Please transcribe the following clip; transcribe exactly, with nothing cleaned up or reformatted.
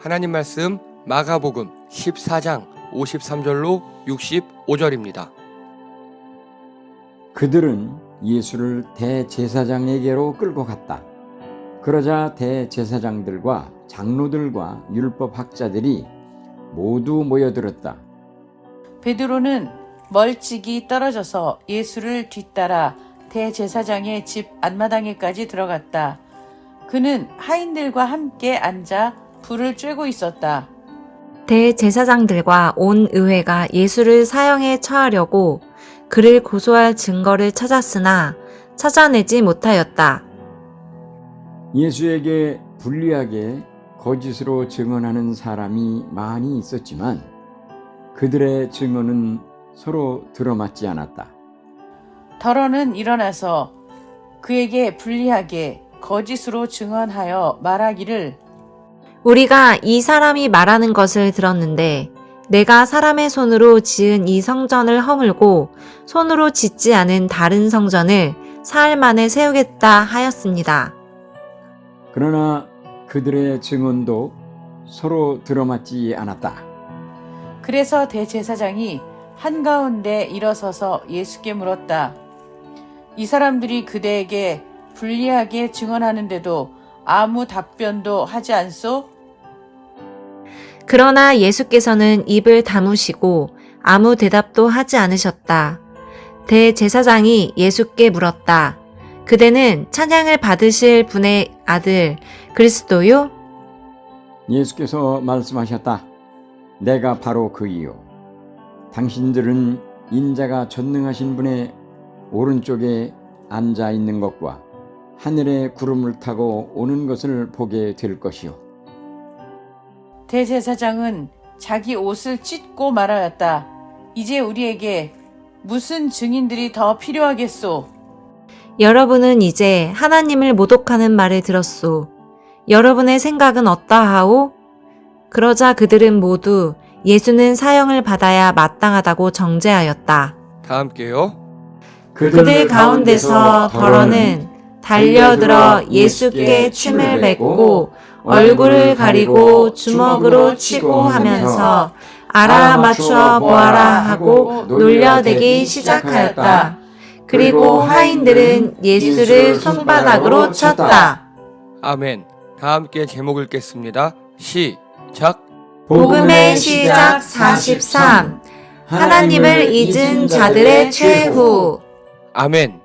하나님 말씀 마가복음 십사 장 오십삼 절로 육십오 절입니다. 그들은 예수를 대제사장에게로 끌고 갔다. 그러자 대제사장들과 장로들과 율법학자들이 모두 모여들었다. 베드로는 멀찍이 떨어져서 예수를 뒤따라 대제사장의 집 안마당에까지 들어갔다. 그는 하인들과 함께 앉아 불을 쬐고 있었다. 대제사장들과 온 의회가 예수를 사형에 처하려고 그를 고소할 증거를 찾았으나 찾아내지 못하였다. 예수에게 불리하게 거짓으로 증언하는 사람이 많이 있었지만 그들의 증언은 서로 들어맞지 않았다. 더러는 일어나서 그에게 불리하게 거짓으로 증언하여 말하기를 우리가 이 사람이 말하는 것을 들었는데 내가 사람의 손으로 지은 이 성전을 허물고 손으로 짓지 않은 다른 성전을 사흘 만에 세우겠다 하였습니다. 그러나 그들의 증언도 서로 들어맞지 않았다. 그래서 대제사장이 한가운데 일어서서 예수께 물었다. 이 사람들이 그대에게 불리하게 증언하는데도 아무 답변도 하지 않소? 그러나 예수께서는 입을 다무시고 아무 대답도 하지 않으셨다. 대제사장이 예수께 물었다. 그대는 찬양을 받으실 분의 아들 그리스도요? 예수께서 말씀하셨다. 내가 바로 그이요. 당신들은 인자가 전능하신 분의 오른쪽에 앉아 있는 것과 하늘의 구름을 타고 오는 것을 보게 될 것이요. 대제사장은 자기 옷을 찢고 말하였다. 이제 우리에게 무슨 증인들이 더 필요하겠소? 여러분은 이제 하나님을 모독하는 말을 들었소. 여러분의 생각은 어떠하오? 그러자 그들은 모두 예수는 사형을 받아야 마땅하다고 정죄하였다. 다 함께요. 그들 가운데서 더러는 달려들어 예수께 침을 뱉고 얼굴을 가리고 주먹으로 치고 하면서 알아맞추어 보아라 하고 놀려대기 시작하였다. 그리고 하인들은 예수를 손바닥으로 쳤다. 아멘. 다 함께 제목 읽겠습니다. 시작. 복음의 시작 사십삼. 하나님을 잊은 자들의 최후. 아멘.